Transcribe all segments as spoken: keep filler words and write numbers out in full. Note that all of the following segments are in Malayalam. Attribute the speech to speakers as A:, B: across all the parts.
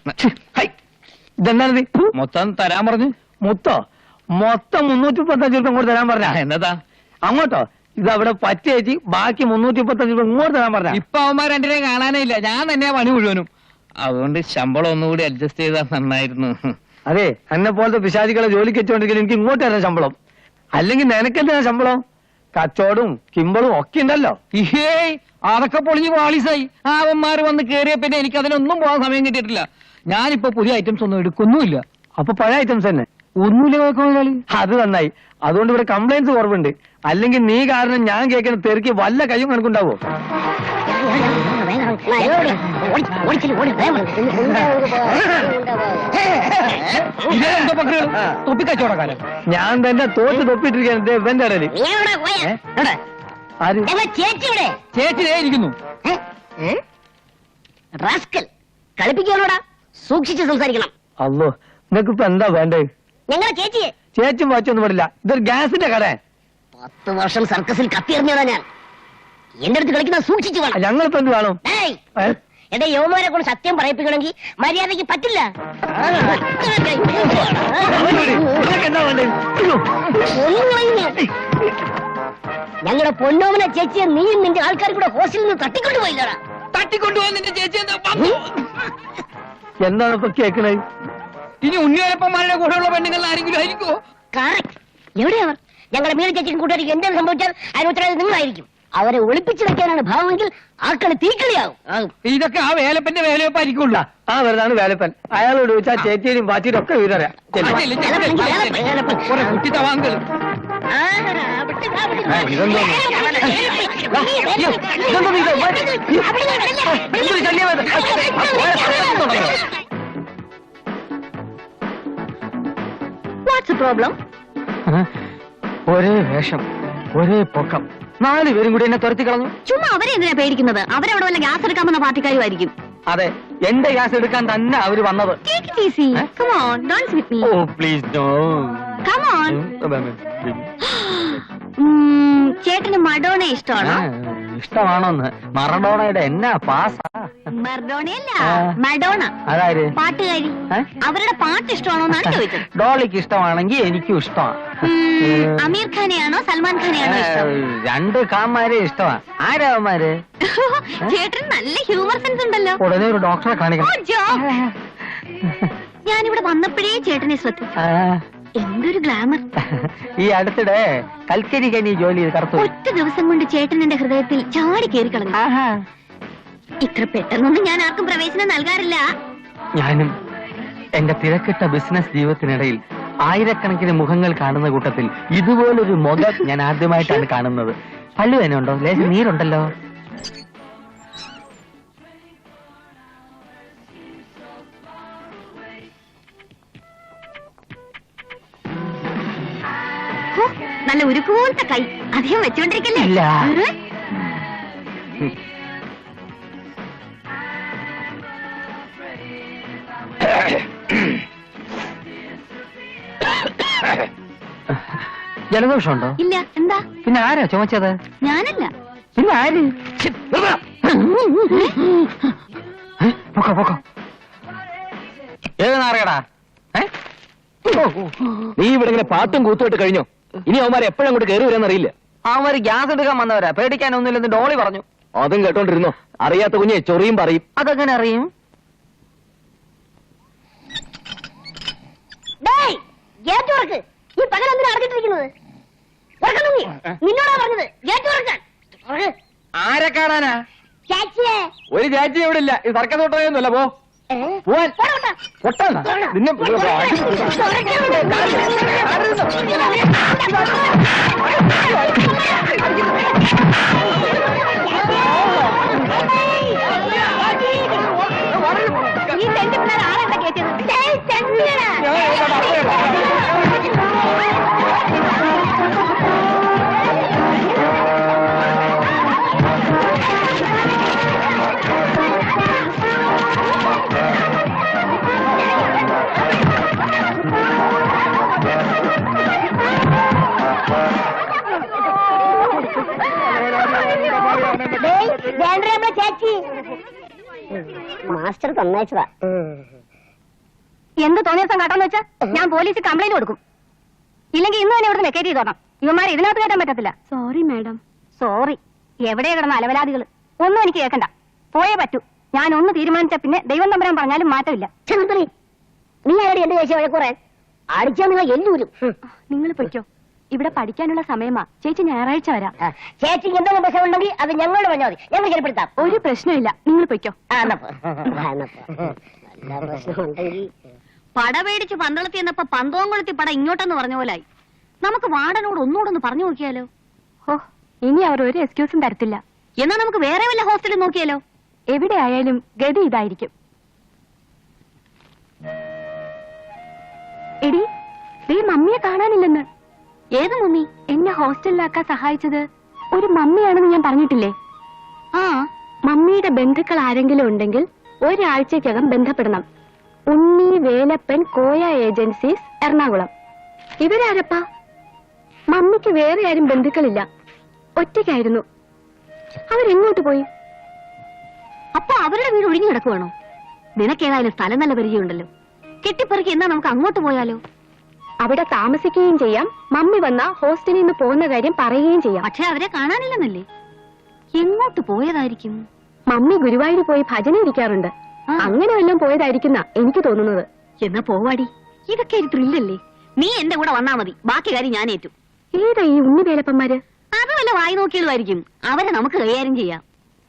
A: ഇതെന്താണ്
B: മൊത്തം തരാൻ പറഞ്ഞു.
A: മൊത്തോ? മൊത്തം മുന്നൂറ്റി മുപ്പത്തഞ്ച് രൂപ ഇങ്ങോട്ട് തരാൻ പറഞ്ഞ.
B: എന്നതാ
A: അങ്ങോട്ടോ? ഇതവിടെ പറ്റേച്ചി ബാക്കി മുന്നൂറ്റി മുപ്പത്തഞ്ച് രൂപ ഇങ്ങോട്ട് തരാൻ പറഞ്ഞ.
B: ഇപ്പൊ അവന്മാർ രണ്ടിനെയും കാണാനേ ഇല്ല. ഞാൻ തന്നെയാ പണി മുഴുവനും. അതുകൊണ്ട് ശമ്പളം ഒന്നുകൂടി അഡ്ജസ്റ്റ് ചെയ്താൽ നന്നായിരുന്നു.
A: അതെ, എന്നെ പോലത്തെ പിശാചികളെ ജോലിക്ക് വെച്ചോണ്ടെങ്കിൽ എനിക്ക് ഇങ്ങോട്ട് തരാൻ ശമ്പളം. അല്ലെങ്കിൽ നിനക്കെന്തിനാ ശമ്പളം? കച്ചവടവും കിമ്പളും ഒക്കെ ഉണ്ടല്ലോ.
B: ഏയ് അതൊക്കെ പൊളിഞ്ഞ് പാളീസായി. ആ അവന്മാര് വന്ന് കേറിയ പിന്നെ എനിക്ക് അതിനൊന്നും പോകാൻ സമയം കിട്ടിയിട്ടില്ല. ഞാനിപ്പോ പുതിയ ഐറ്റംസ് ഒന്നും എടുക്കൊന്നുമില്ല.
A: അപ്പൊ പഴയ ഐറ്റംസ് തന്നെ
B: ഒന്നുമില്ല നോക്കാളി.
A: അത് നന്നായി. അതുകൊണ്ട് ഇവിടെ കംപ്ലൈന്റ്സ് കുറവുണ്ട്. അല്ലെങ്കിൽ നീ കാരണം ഞാൻ കേൾക്കുന്ന തെറുക്കി വല്ല കയ്യും കണക്കുണ്ടാവോ?
B: തൊപ്പിക്കച്ചവടക്കാരൻ.
A: ഞാൻ തന്നെ തോറ്റ് തൊപ്പിട്ടിരിക്കുകയാണ് ഇവന്റെ ഇടയില്.
B: ചേച്ചി ഇരിക്കുന്നു.
C: കളിപ്പിക്കാനോടാ, സൂക്ഷിച്ച് സംസാരിക്കണം.
A: അല്ലോ, നിനക്ക് ഇപ്പൊ എന്താ വേണ്ടേ?
C: ഞങ്ങളെ ചേച്ചിയെ.
A: ചേച്ചും വാച്ചൊന്നും പാടില്ല. ഇതൊരു ഗ്യാസിന്റെ കട.
C: പത്ത് വർഷം സർക്കസിൽ കത്തിയെറിഞ്ഞതാ ഞാൻ. എന്റെ അടുത്ത് കളിക്കുന്ന സൂക്ഷിച്ചു വേണം.
A: ഞങ്ങളിപ്പോ എന്ത് വേണം?
C: എന്റെ യോമാരെ കൊണ്ട് സത്യം പറയിപ്പിക്കണമെങ്കിൽ മര്യാദയ്ക്ക് പറ്റില്ല. ഞങ്ങളുടെ പൊന്നോമന ചേച്ചിയെ നീയും നിന്റെ ആൾക്കാർ കൂടെ ഹോസ്റ്റലിൽ നിന്ന് തട്ടിക്കൊണ്ടുപോയില്ലടാ.
B: തട്ടിക്കൊണ്ടുപോകാൻ നിന്റെ ചേച്ചി
A: എന്താണ് ഇപ്പൊ കേൾക്കണേ?
B: ഇനി ഉണ്ണിയപ്പന്മാരുടെ കൂടെയുള്ള പെണ്ണുങ്ങൾ ആരെങ്കിലും ആയിരിക്കുമോ?
C: കറക്റ്റ്. എവിടെയാവർ? ഞങ്ങളുടെ മീന ചേച്ചിക്കും കൂട്ടുകാരിക്കും എന്തെങ്കിലും സംഭവിച്ചാൽ അതിന് ഉത്തരവാദിത്വം നിങ്ങളായിരിക്കും. അവരെ ഒളിപ്പിച്ചു വെക്കാനാണ് ഭാവമെങ്കിൽ ആ കളി തീക്കളിയാവും.
B: ഇതൊക്കെ ആ വേലപ്പന്റെ വേലയപ്പായിരിക്കുള്ള.
A: ആ വെറുതാണ് വേലപ്പൻ. അയാളോട് ചോദിച്ചാൽ ചേച്ചിയും പാച്ചിയും ഒക്കെ വിവരറിയാം.
B: കുട്ടിത്തവാങ്കൾ.
C: പ്രോബ്ലം?
A: ഒരേ വേഷം, ഒരേ പൊക്കം, നാല് പേരും കൂടി എന്നെ തുരത്തി കളഞ്ഞു.
C: ചുമ്മാ അവരെ എന്തിനാ പേടിക്കുന്നത്? അവരവിടെ വല്ല ഗ്യാസ് എടുക്കാൻ വന്ന പാർട്ടിക്കാരുമായിരിക്കും.
A: അതെ, എന്റെ ഗ്യാസ് എടുക്കാൻ തന്നെ അവര് വന്നത്. Oh please no.
C: ചേട്ടന് മഡോണ ഇഷ്ടമാണോ?
A: ഇഷ്ടമാണോന്ന്? മറഡോണയുടെ എന്നാ പാസാ?
C: മർഡോണയല്ല, മഡോണ.
A: അതായത്
C: പാട്ടുകാരി. അവരുടെ പാട്ട് ഇഷ്ടമാണോന്നാണ് ചോദിച്ചത്.
A: ഡോളിക്ക് ഇഷ്ടമാണെങ്കിൽ എനിക്കും ഇഷ്ടമാണ്.
C: അമീർ ഖാനെയാണോ സൽമാൻ ഖാനെയാണോ ഇഷ്ടം?
A: രണ്ട് കാന്മാരെ ഇഷ്ടമാണ്. ആരാവന്മാര്?
C: ചേട്ടന് നല്ല ഹ്യൂമർ സെൻസ് ഉണ്ടല്ലോ.
A: ഉടനെ ഒരു ഡോക്ടറെ കാണിക്കണം.
C: ഞാനിവിടെ വന്നപ്പോഴേ ചേട്ടനെ ശ്രദ്ധിച്ചു. എന്തൊരു ഗ്ലാമർ.
A: ഈ അടുത്തിടെ കൽക്കരി കനി ജോലി ചെയ്ത് കറുത്തു.
C: ഒറ്റ ദിവസം കൊണ്ട് ചേട്ടൻ എന്റെ ഹൃദയത്തിൽ ചാടി കയറി കളഞ്ഞു. ഇത്ര പെട്ടെന്നൊന്നും ഞാൻ ആർക്കും പ്രവേശനം നൽകാറില്ല.
A: ഞാനും എന്റെ തിരക്കിട്ട ബിസിനസ് ജീവിതത്തിനിടയിൽ ആയിരക്കണക്കിന് മുഖങ്ങൾ കാണുന്ന കൂട്ടത്തിൽ ഇതുപോലൊരു മുഖം ഞാൻ ആദ്യമായിട്ടാണ് കാണുന്നത്. പല്ലു തന്നെ ഉണ്ടോ? ലേശം നീരുണ്ടല്ലോ.
C: നല്ല ഉരുക്കൂത്ത കൈ. അധികം വെച്ചോണ്ടിരിക്കല്ലേ?
A: ഇല്ല. ജലദോഷമുണ്ടോ?
C: ഇല്ല. എന്താ?
A: പിന്നെ ആരാ ചുമച്ചത്?
C: ഞാനല്ല.
A: പിന്നെ ആര്? പൊക്കോ പൊക്കോ. ഏത് നാറിയടാ?
B: നീ ഇവിടെ ഇങ്ങനെ പാട്ടും കൂത്തുമായിട്ട് കഴിഞ്ഞോ? ഇനി അവന്മാരെ എപ്പോഴും അങ്ങോട്ട് കയറി വരാന്നറിയില്ല.
A: അവര് ഗ്യാസ് എടുക്കാൻ വന്നവരാ. പേടിക്കാനൊന്നുമില്ലെന്ന് ഡോളി പറഞ്ഞു.
B: അതും കേട്ടോണ്ടിരുന്നോ? അറിയാത്ത കുഞ്ഞെ ചൊറിയും പറയും.
A: അതെങ്ങനെ അറിയും?
C: ഈ പകലെന്തിനാ അടച്ചിട്ടിരിക്കുന്നത്? നിന്നോടാ പറഞ്ഞത് ഗേറ്റ് തുറക്കാൻ.
A: ആരെ കാണാനാ?
C: ചേച്ചിയെ.
A: ഒരു ചേച്ചി ഇവിടെ ഇല്ല. ഇത് സർക്കസ് തൊട്ടൊന്നുമല്ല. പോ പോവാൻ. പൊട്ടാ നിന്നെ
C: ഈ തെണ്ടി പിള്ളേർ ആളെന്താ കേട്ടത്? ചേച്ചി മാസ്റ്റർ തന്നയച്ചതാ. എന്ത് തോന്നിയ ദിവസം കാട്ടാന്ന് വെച്ചാ ഞാൻ പോലീസിൽ കംപ്ലൈന്റ് കൊടുക്കും. ഇല്ലെങ്കിൽ ഇന്ന് തന്നെ ഇവിടുന്ന് വെക്കേറ്റ് ചെയ്തോണം. ഇവന്മാരെ ഇതിനകത്ത് കയറ്റാൻ പറ്റത്തില്ല. Sorry madam. സോറി. എവിടെ കിടന്ന അലവലാദികൾ ഒന്നും എനിക്ക് കേൾക്കണ്ട. പോയേ പറ്റൂ. ഞാൻ ഒന്ന് തീരുമാനിച്ച പിന്നെ ദൈവം തമ്പരാൻ പറഞ്ഞാലും മാറ്റമില്ല. നീ ആരുടെ എന്റെ ചേച്ചി വഴക്കുറേ അടിച്ചാൽ നിങ്ങൾ എല്ലൂരും. നിങ്ങൾ പൊയ്ക്കോ. ഇവിടെ പഠിക്കാനുള്ള സമയമാ. ചേച്ചി ഞായറാഴ്ച വരാം. ചേച്ചിക്ക് എന്തെങ്കിലും പ്രശ്നം ഉണ്ടെങ്കിൽ അത് ഞങ്ങളോട് പറഞ്ഞാൽ മതി. ഞങ്ങൾ ശരിപ്പെടുത്താം. ഒരു പ്രശ്നമില്ല. നിങ്ങൾ പൊയ്ക്കോ. പട പേടിച്ച് പന്തളത്തി എന്നപ്പോ പന്തോങ്കുളത്തി പട ഇങ്ങോട്ടെന്ന് പറഞ്ഞ പോലായി. നമുക്ക് വാർഡനോട് ഒന്നുകൂടൊന്ന് പറഞ്ഞു നോക്കിയാലോ? ഓ, ഇനി അവർ ഒരു എക്സ്ക്യൂസും തരത്തില്ല. എന്നാ നമുക്ക് വേറെ വല്ല ഹോസ്റ്റലിൽ നോക്കിയാലോ? എവിടെ ആയാലും ഗതി ഇതായിരിക്കും. എടി, ദേ മമ്മിയെ കാണാനില്ലെന്ന്. ഏത് മമ്മി? എന്നെ ഹോസ്റ്റലിലാക്കാൻ സഹായിച്ചത് ഒരു മമ്മിയാണെന്ന് ഞാൻ പറഞ്ഞിട്ടില്ലേ? ആ, മമ്മിയുടെ ബന്ധുക്കൾ ആരെങ്കിലും ഉണ്ടെങ്കിൽ ഒരാഴ്ചക്കകം ബന്ധപ്പെടണം. ഉണ്ണി വേലപ്പൻ കോയ ഏജൻസീസ്, എറണാകുളം. ഇവരാരപ്പാ? മമ്മിക്ക് വേറെ ആരും ബന്ധുക്കളില്ല. ഒറ്റയ്ക്കായിരുന്നു. അവരെങ്ങോട്ട് പോയി? അപ്പൊ അവരുടെ വീട് ഒഴിഞ്ഞു കിടക്കുവാണോ? നിനക്കേതായാലും സ്ഥലം നല്ല പരിചയമുണ്ടല്ലോ. കെട്ടിപ്പെറുക്കി എന്നാ നമുക്ക് അങ്ങോട്ട് പോയാലോ? അവിടെ താമസിക്കുകയും ചെയ്യാം. മമ്മി വന്ന ഹോസ്റ്റലിൽ നിന്ന് പോകുന്ന കാര്യം പറയുകയും ചെയ്യാം. പക്ഷെ അവരെ കാണാനില്ലെന്നല്ലേ? എങ്ങോട്ട് പോയതായിരിക്കും? മമ്മി ഗുരുവായൂർ പോയി ഭജന ഇരിക്കാറുണ്ട്. അങ്ങനെ വല്ലതും പോയതായിരിക്കുന്ന എനിക്ക് തോന്നുന്നത്. എന്നാ പോവാടി. ഇതൊക്കെ ഒരു ത്രില്ലല്ലേ? നീ എന്റെ കൂടെ വന്നാ മതി. ബാക്കി കാര്യം ഞാൻ ഏറ്റു. ഏതാ ഈ ഉണ്ണി വേലപ്പന്മാര്? അത് വല്ല വായി നോക്കിയതായിരിക്കും. അവരെ നമുക്ക് കൈകാര്യം ചെയ്യാം.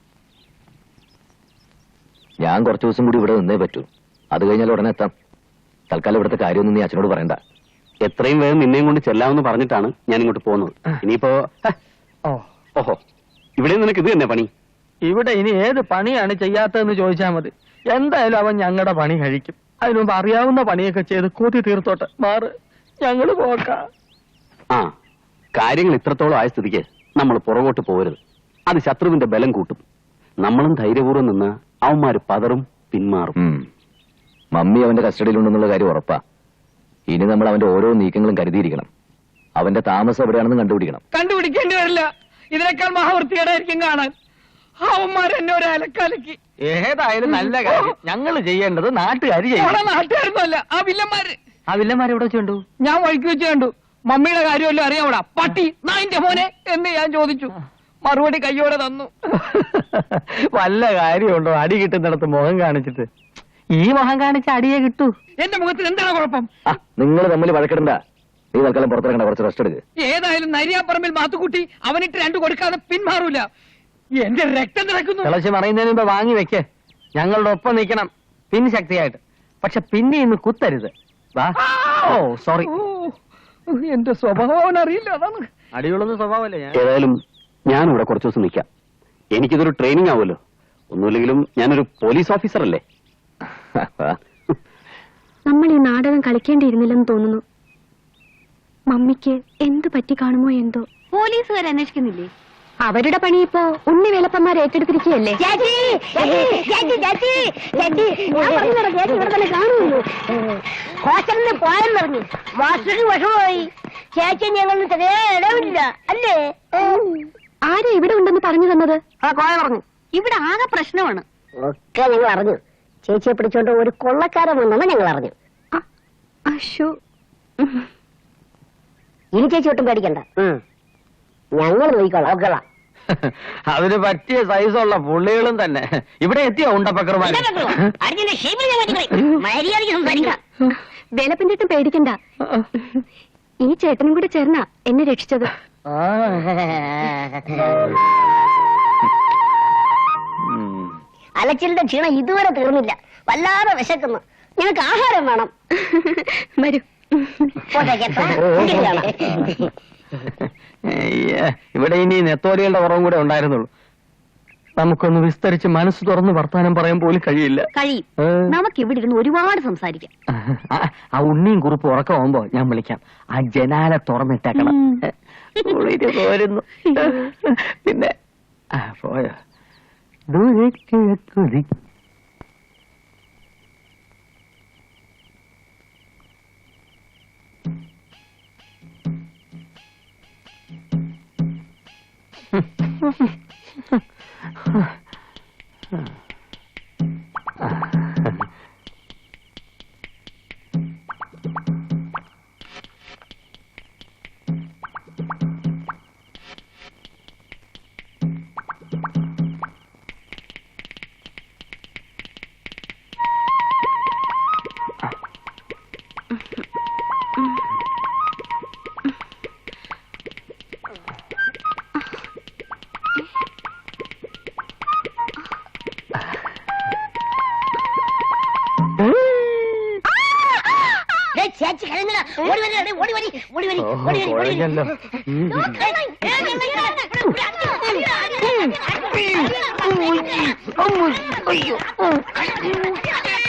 D: ഞാൻ കുറച്ചു ദിവസം കൂടി ഇവിടെ നിന്നേ പറ്റൂ. അത് കഴിഞ്ഞാൽ ഉടനെ എത്താം. തൽക്കാലം ഇവിടുത്തെ കാര്യമൊന്നും നീ അച്ഛനോട് പറയണ്ട.
E: എത്രയും വേഗം നിന്നെയും കൊണ്ട് ചെല്ലാമെന്ന് പറഞ്ഞിട്ടാണ് ഞാൻ ഇങ്ങോട്ട് പോകുന്നത്. ഇനിയിപ്പോ ഓഹോ, ഇവിടെ നിനക്ക് ഇത് തന്നെ പണി?
A: ഇവിടെ ഇനി ഏത് പണിയാണ് ചെയ്യാത്തതെന്ന് ചോദിച്ചാൽ മതി. എന്തായാലും അവൻ ഞങ്ങളുടെ പണി കഴിക്കും. അതിനുമുമ്പ് അറിയാവുന്ന പണിയൊക്കെ ചെയ്ത് കൂത്തി തീർത്തോട്ടെ. മാറ്, ഞങ്ങള് പോക്കാം.
E: ആ, കാര്യങ്ങൾ ഇത്രത്തോളം ആയ സ്ഥിതിക്ക് നമ്മൾ പുറകോട്ട് പോകരുത്. അത് ശത്രുവിന്റെ ബലം കൂട്ടും. നമ്മളും ധൈര്യപൂർവ്വം നിന്ന് അവന്മാര് പതറും, പിന്മാറും.
D: മമ്മി അവന്റെ കസ്റ്റഡിയിലുണ്ടെന്നുള്ള കാര്യം ഉറപ്പാ. ഇനി നമ്മൾ അവന്റെ ഓരോ നീക്കങ്ങളും കരുതിയിരിക്കണം. അവന്റെ താമസം എവിടെയാണെന്ന് കണ്ടുപിടിക്കണം.
B: കണ്ടുപിടിക്കേണ്ടി വരില്ല. ഇതിനേക്കാൾ മഹാവൃത്തികേടായിരിക്കും കാണാൻ. അവന്മാരെന്നെ ഒരു അലക്കാലക്കി.
A: ഏതായാലും നല്ല കാര്യം. ഞങ്ങൾ ചെയ്യേണ്ടത് നാട്ടുകാർ ചെയ്യണം.
B: നാട്ടുകാരൊന്നുമല്ല, ആ വില്ലന്മാര്.
A: ആ വില്ലന്മാർ എവിടെ വെച്ചുണ്ടു?
B: ഞാൻ വഴിക്ക് വെച്ച് കണ്ടു. മമ്മിയുടെ കാര്യമല്ലോ അറിയാവൂടാ. പട്ടി നായിന്റെ മോനെ എന്ന് ഞാൻ ചോദിച്ചു. മറുപടി കയ്യോടെ തന്നു.
A: വല്ല കാര്യമുണ്ടോ അടി കിട്ടുന്നിടത്ത് മുഖം കാണിച്ചിട്ട്? ഈ മുഖം കാണിച്ച അടിയെ കിട്ടൂ.
B: എന്റെ മുഖത്തിന് എന്താണ് കുഴപ്പം?
D: നിങ്ങൾ തമ്മിൽ വഴക്കിടണ്ട. നീ തൽക്കാലം പുറത്തിറങ്ങണ്ട, കുറച്ച് റെസ്റ്റ് എടുക്ക്.
B: ഏതായാലും നരിയാപ്പറമ്പിൽ മാത്തുക്കുട്ടി അവനിട്ട് രണ്ടു കൊടുക്കാതെ പിന്മാറൂല. എന്റെ രക്തം തിളക്കുന്നു.
A: തിളച്ച് മറിയുന്നതിന് മുമ്പ് വാങ്ങി വെക്കേ. ഞങ്ങളുടെ ഒപ്പം നിൽക്കണം പിൻ ശക്തിയായിട്ട്. പക്ഷെ പിന്നെ ഇന്ന് കുത്തരുത്. വാ. Oh sorry.
B: എന്റെ സ്വഭാവം അറിയില്ല, അതാണ്.
A: അടിയുള്ളൊന്നും സ്വഭാവമല്ലേ ഞാൻ.
E: ഏതായാലും ഞാൻ ഇവിടെ കുറച്ചു ദിവസം നിൽക്കാം. എനിക്കിതൊരു ട്രെയിനിങ് ആവുമല്ലോ. ഒന്നുമില്ലെങ്കിലും ഞാനൊരു പോലീസ് ഓഫീസർ അല്ലേ.
C: നമ്മൾ ഈ നാടകം കളിക്കേണ്ടിയിരുന്നില്ലെന്ന് തോന്നുന്നു. മമ്മിക്ക് എന്ത് പറ്റി കാണുമോ എന്തോ. പോലീസുകാർ അന്വേഷിക്കുന്നില്ലേ? അവരുടെ പണി ഇപ്പോ ഉണ്ണി വേലപ്പന്മാർ ഏറ്റെടുത്തിരിക്കുകയല്ലേ. ഹോസ്റ്റലിന് പോയെന്നറിഞ്ഞു. മാസ്റ്റർക്ക് വിഷമമായി. ചേച്ചി ഞങ്ങൾ ഇടവില്ല അല്ലേ? ആരാ ഇവിടെ ഉണ്ടെന്ന് പറഞ്ഞു തന്നത്? ആ കോയ പറഞ്ഞു. ഇവിടെ ആകെ പ്രശ്നമാണ്. ഒക്കെ ഞങ്ങൾ അറിഞ്ഞു. ചേച്ചിയെ പിടിച്ചോണ്ട് ഒരു കൊള്ളക്കാരൻ വന്നെന്ന് ഞങ്ങൾ അറിഞ്ഞു. അശോ, ഇനി ചേച്ചി ഒട്ടും പേടിക്കണ്ട. ഞങ്ങൾ നോക്കിക്കോളാം. ഓക്കെളാം.
A: അതിന് പറ്റിയ സൈസുള്ള പുള്ളികളും തന്നെ ഇവിടെ എത്തിയോ? ഉണ്ടപ്പക്കറുമാർ
C: വേലപ്പിന്റെ അടുത്ത് പേടിക്കണ്ട. ഈ ചേട്ടനും കൂടെ ചേർന്നാ എന്നെ രക്ഷിച്ചത്. അലച്ചിലിന്റെ ക്ഷീണം ഇതുവരെ തീർന്നില്ല. വല്ലാതെ വിശക്കുന്നു. ഞങ്ങൾക്ക് ആഹാരം വേണം. വരൂ.
A: ഇവിടെ ഇനി നെത്തോലികളുടെ കുറവും കൂടെ ഉണ്ടായിരുന്നുള്ളൂ. നമുക്കൊന്ന് വിസ്തരിച്ച് മനസ്സ് തുറന്ന് വർത്താനം പറയാൻ പോലും കഴിയില്ല.
C: കഴിയും. നമുക്ക് ഇവിടെ ഇരുന്ന് ഒരുപാട് സംസാരിക്കാം.
A: ആ ഉണ്ണിയും കുറിപ്പ് ഉറക്കമാകുമ്പോ ഞാൻ വിളിക്കാം. ആ ജനാല തുറന്നിട്ടേക്കണം. പോരുന്നു. പിന്നെ പോയോ ദൂരേക്ക്
F: ചേച്ചി കരയുന്നില്ല. ഓടി വരി, എടേ, ഓടി വരി, ഓടി വരി,
A: ഓഹോ,
F: ഓടി വരി, ഓടി വരി.
A: കുഴഞ്ഞല്ലോ. ഉം.
F: അയ്യോ